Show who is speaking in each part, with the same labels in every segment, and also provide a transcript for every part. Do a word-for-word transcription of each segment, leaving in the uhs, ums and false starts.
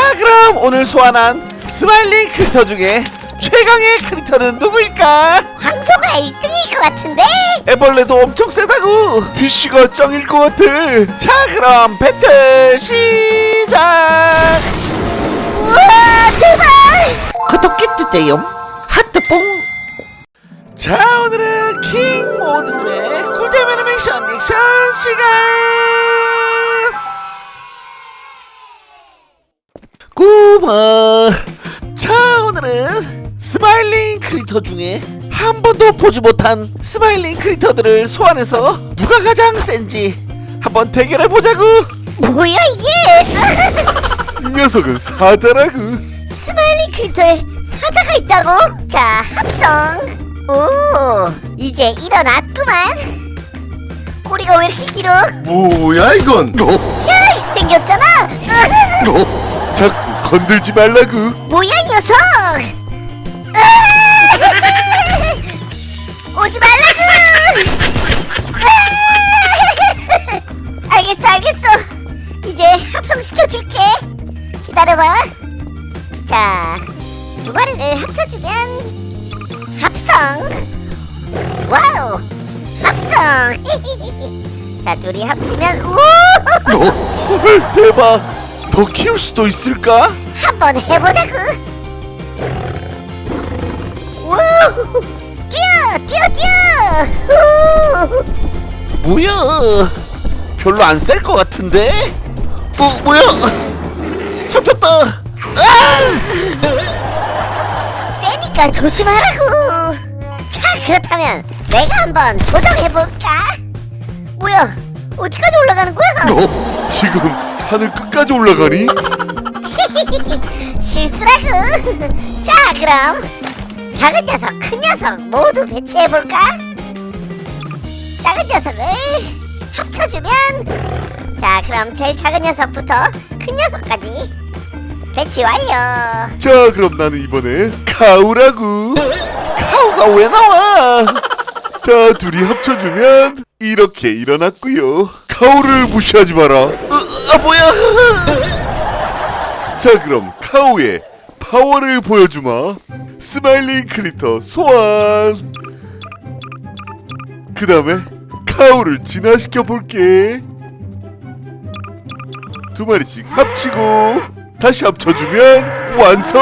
Speaker 1: 그럼 오늘 소환한 스마일링 크리터 중에 최강의 크리터는 누구일까?
Speaker 2: 황소가 일 등일 것 같은데?
Speaker 1: 애벌레도 엄청 세다고. 피쉬가 짱일 것 같아. 자 그럼 배틀 시작.
Speaker 2: 우와 대박!
Speaker 1: 구독기 뜨대요 하트뽕. 자 오늘은 킹 모드의 꿀잼 애니메이션 리액션 시간. 고마. 자 오늘은 스마일링 크리터 중에 한 번도 보지 못한 스마일링 크리터들을 소환해서 누가 가장 센지 한번 대결해 보자구.
Speaker 2: 뭐야 이게?
Speaker 1: 이 녀석은 사자라구.
Speaker 2: 스마일링 크리터에 사자가 있다고? 자 합성. 오 이제 일어났구만. 꼬리가 왜 이렇게 길어?
Speaker 3: 뭐야 이건?
Speaker 2: 희한하게 생겼잖아.
Speaker 3: 자꾸 건들지 말라구.
Speaker 2: 뭐야 이 녀석? 오지 말라고. 알겠어 알겠어. 이제 합성시켜줄게. 기다려봐. 자 두 마리를 합쳐주면 합성. 와우 합성. 자 둘이 합치면 우.
Speaker 1: 헐 대박. 더 키울 수도 있을까?
Speaker 2: 한번 해보자구. 우 뛰어 뛰어 뛰어. 우.
Speaker 1: 뭐야? 별로 안 셀 것 같은데? 어 뭐야? 잡혔다. 아!
Speaker 2: 세니까 조심하라고. 자 그렇다면 내가 한번 조정해볼까? 뭐야 어디까지 올라가는 거야?
Speaker 3: 너 지금 하늘 끝까지 올라가니?
Speaker 2: 실수라고. 자 그럼 작은 녀석 큰 녀석 모두 배치해볼까? 작은 녀석을 합쳐주면 자 그럼 제일 작은 녀석부터 큰 녀석까지 배치 완료.
Speaker 3: 자 그럼 나는 이번에 카우라구.
Speaker 1: 카우가 왜 나와?
Speaker 3: 자 둘이 합쳐주면 이렇게 일어났구요. 카우를 무시하지 마라.
Speaker 1: 어, 아 뭐야?
Speaker 3: 자 그럼 카우의 파워를 보여주마. 스마일링 크리터 소환. 그 다음에 카우를 진화시켜 볼게. 두 마리씩 합치고 다시 합쳐주면 완성.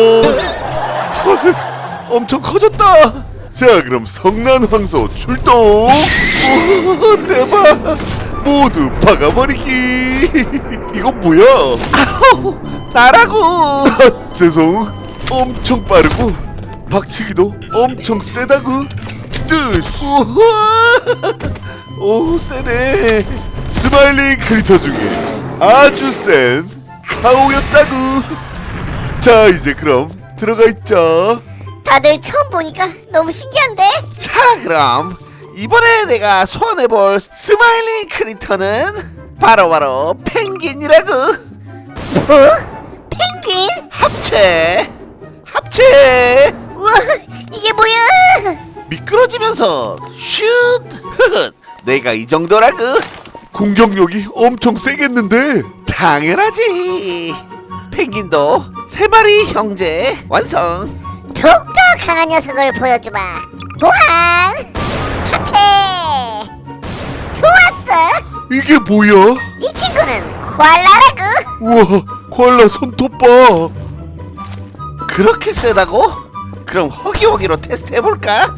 Speaker 1: 헐, 엄청 커졌다.
Speaker 3: 자 그럼 성난 황소 출동.
Speaker 1: 오, 대박.
Speaker 3: 모두 박아버리기. 이건 뭐야?
Speaker 1: 아우, 나라고.
Speaker 3: 아, 죄송. 엄청 빠르고 박치기도 엄청 세다구. 뜨.
Speaker 1: 우와. 오 세네.
Speaker 3: 스마일링 크리터 중에 아주 센 카우였다구. 자 이제 그럼 들어가 있자.
Speaker 2: 다들 처음 보니까 너무 신기한데?
Speaker 1: 자 그럼 이번에 내가 소환해볼 스마일링 크리터는 바로바로 펭귄이라고.
Speaker 2: 뭐? 펭귄?
Speaker 1: 합체 합체.
Speaker 2: 우와 이게 뭐야?
Speaker 1: 미끄러지면서 슛. 내가 이 정도라고.
Speaker 3: 공격력이 엄청 세겠는데?
Speaker 1: 당연하지. 펭귄도 세 마리 형제 완성.
Speaker 2: 더욱더 강한 녀석을 보여주마. 보안 합체. 좋았어.
Speaker 3: 이게 뭐야?
Speaker 2: 이 친구는 코알라라고.
Speaker 3: 우와 코알라 손톱 봐.
Speaker 1: 그렇게 세다고? 그럼 허기허기로 테스트 해볼까?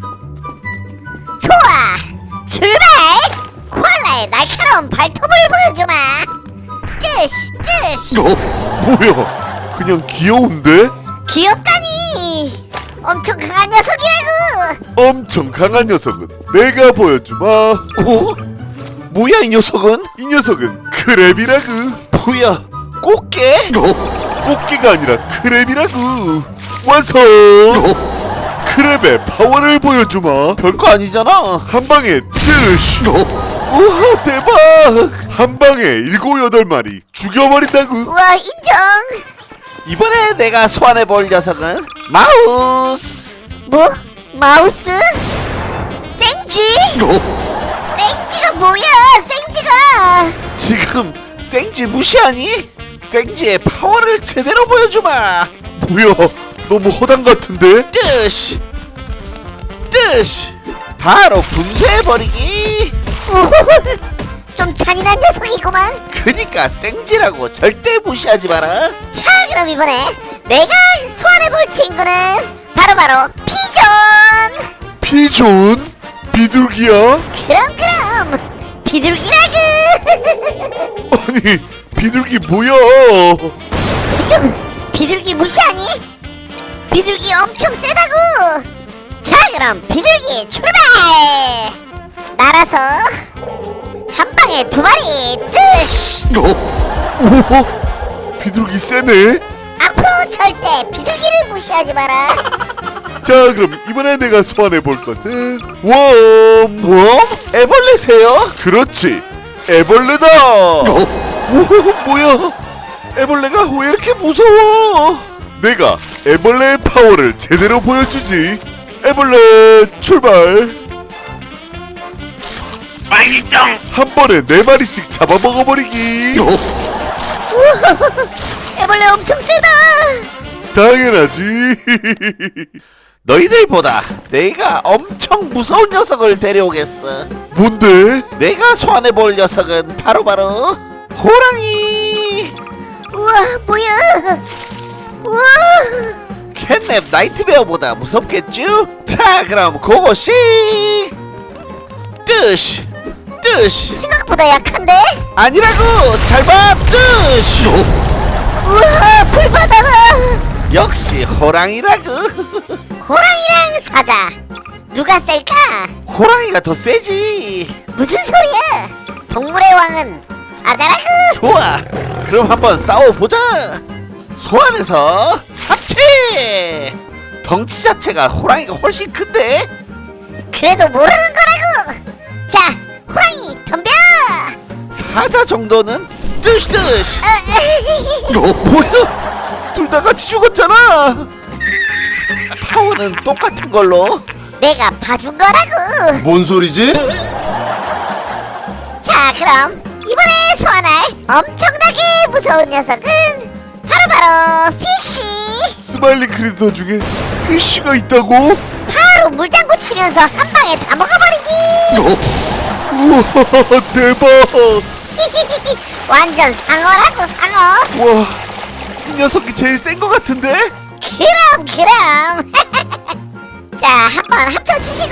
Speaker 2: 좋아 출발. 코알라의 날카로운 발톱을 보여주마. 뜨시 뜨시.
Speaker 3: 어? 뭐야? 그냥 귀여운데?
Speaker 2: 귀엽다니. 엄청 강한 녀석이라고.
Speaker 3: 엄청 강한 녀석은 내가 보여주마.
Speaker 1: 오? 뭐야 이 녀석은?
Speaker 3: 이 녀석은 크랩이라구.
Speaker 1: 뭐야 꽃게?
Speaker 3: 어? 꽃게가 아니라 크랩이라구. 완성. 크랩의 파워를 보여주마.
Speaker 1: 별거 아니잖아.
Speaker 3: 한 방에 뜨시.
Speaker 1: 우와 대박.
Speaker 3: 한 방에 일곱 여덟 마리 죽여버린다구.
Speaker 2: 우와 인정.
Speaker 1: 이번에 내가 소환해볼 녀석은 마우스.
Speaker 2: 뭐? 마우스? 생쥐? 생쥐가 뭐야? 생쥐가
Speaker 1: 지금 생쥐 무시하니? 생지의 파워를 제대로 보여주마.
Speaker 3: 뭐야, 너무 허당 같은데?
Speaker 1: 뜨시 뜨시 바로 분쇄해버리기.
Speaker 2: 우후후, 좀 잔인한 녀석이구만.
Speaker 1: 그니까 생지라고 절대 무시하지 마라.
Speaker 2: 자, 그럼 이번에 내가 소환해볼 친구는 바로바로 피존.
Speaker 3: 피존? 비둘기야?
Speaker 2: 그럼 그럼 비둘기라구.
Speaker 3: 아니, 비둘기 뭐야?
Speaker 2: 지금 비둘기 무시하니? 비둘기 엄청 세다고. 자, 그럼 비둘기 출발. 날아서 한 방에 두 마리 뜨시.
Speaker 3: 어? 오, 비둘기 세네?
Speaker 2: 앞으로 절대 비둘기를 무시하지 마라.
Speaker 3: 자, 그럼 이번에 내가 소환해볼 것은 웜!
Speaker 1: 뭐? 애벌레세요?
Speaker 3: 그렇지, 애벌레다!
Speaker 1: 오, 뭐야? 애벌레가 왜 이렇게 무서워?
Speaker 3: 내가 애벌레의 파워를 제대로 보여주지. 애벌레 출발. 한 번에 네 마리씩 잡아먹어버리기.
Speaker 2: 애벌레 엄청 세다.
Speaker 3: 당연하지.
Speaker 1: 너희들보다 내가 엄청 무서운 녀석을 데려오겠어.
Speaker 3: 뭔데?
Speaker 1: 내가 소환해볼 녀석은 바로바로 호랑이.
Speaker 2: 우와, 뭐야. 우와.
Speaker 1: 캣냅 나이트베어보다 무섭겠죠? 자, 그럼 고고싱. 뜨시 뜨시
Speaker 2: 생각보다 약한데?
Speaker 1: 아니라고. 잘봐. 뜨시.
Speaker 2: 우와, 불바다다.
Speaker 1: 역시 호랑이라고.
Speaker 2: 호랑이랑 사자 누가 셀까?
Speaker 1: 호랑이가 더 세지.
Speaker 2: 무슨 소리야? 동물의 왕은 사자라고.
Speaker 1: 좋아, 그럼 한번 싸워보자. 소환해서 합체. 덩치 자체가 호랑이가 훨씬 큰데.
Speaker 2: 그래도 모르는 거라고. 자, 호랑이 덤벼.
Speaker 1: 사자 정도는 뜨시뜨시.
Speaker 2: 어,
Speaker 1: 뭐야, 둘 다 같이 죽었잖아. 파워는 똑같은 걸로.
Speaker 2: 내가 봐준 거라고.
Speaker 3: 뭔 소리지?
Speaker 2: 자, 그럼 이번에 소환할 엄청나게 무서운 녀석은 바로바로 피쉬.
Speaker 3: 스마일링 크리터 중에 피쉬가 있다고?
Speaker 2: 바로 물장구 치면서 한 방에 다 먹어버리기.
Speaker 3: 우와, 대박.
Speaker 2: 완전 상어라고, 상어.
Speaker 3: 와, 이 녀석이 제일 센 것 같은데?
Speaker 2: 그럼 그럼. 자, 한번 합쳐주시고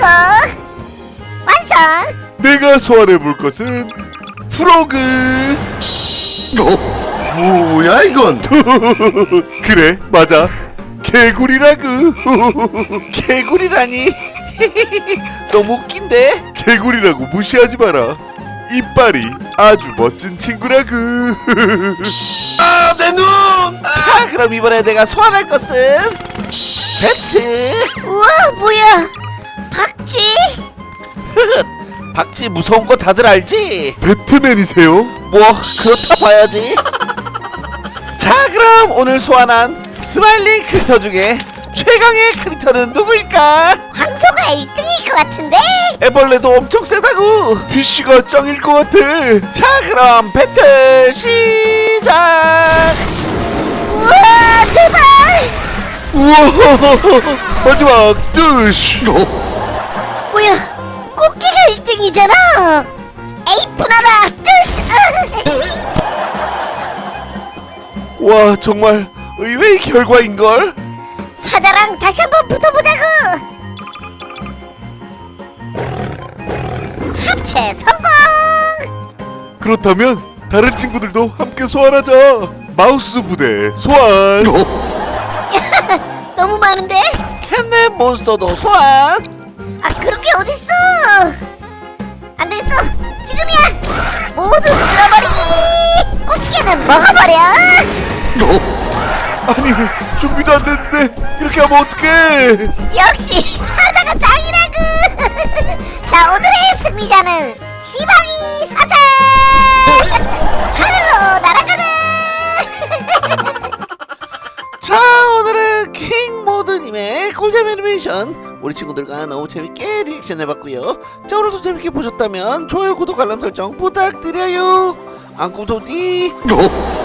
Speaker 2: 완성.
Speaker 3: 내가 소환해볼 것은 프로그. 뭐야 이건? 그래, 맞아, 개구리라구.
Speaker 1: 개구리라니. 너무 웃긴데.
Speaker 3: 개구리라고 무시하지 마라. 이빨이 아주 멋진 친구라구.
Speaker 1: 자, 그럼 이번에 내가 소환할 것은 배트.
Speaker 2: 우와, 뭐야, 박쥐.
Speaker 1: 박쥐 무서운 거 다들 알지?
Speaker 3: 배트맨이세요?
Speaker 1: 뭐 그렇다 봐야지. 자, 그럼 오늘 소환한 스마일링 크리터 중에 최강의 크리터는 누구일까?
Speaker 2: 황소가 일 등일 것 같은데.
Speaker 1: 애벌레도 엄청 세다고.
Speaker 3: 피쉬가 짱일 것 같아.
Speaker 1: 자, 그럼 배틀 시작.
Speaker 2: 우와, 대박.
Speaker 3: 우와, 마지막 뜨시.
Speaker 2: 뭐야, 꽃게가 일 등이잖아. 에이프나다. 뜨시.
Speaker 3: 와, 정말 의외의 결과인걸?
Speaker 2: 사자랑 다시 한번 붙어보자고. 합체 성공.
Speaker 3: 그렇다면 다른 친구들도 함께 소환하자. 마우스 부대 소환.
Speaker 2: 너무 많은데?
Speaker 1: 캣넷 몬스터도 소환.
Speaker 2: 아, 그런 게 어딨어. 안 되겠어, 지금이야. 모두 쓸어버리기. 꽃게는 먹어버려.
Speaker 3: 아니, 준비도 안 됐는데 이렇게 하면 어떡해.
Speaker 2: 역시 사자가 짱이라고. 자, 오늘의 승리자는 시방이 사자. 하늘로 날아가자.
Speaker 1: 자, 오늘은 킹모드님의 꿀잼 애니메이션 우리 친구들과 너무 재밌게 리액션 해봤고요. 자, 오늘도 재밌게 보셨다면 좋아요, 구독, 알람 설정 부탁드려요. 안구도디.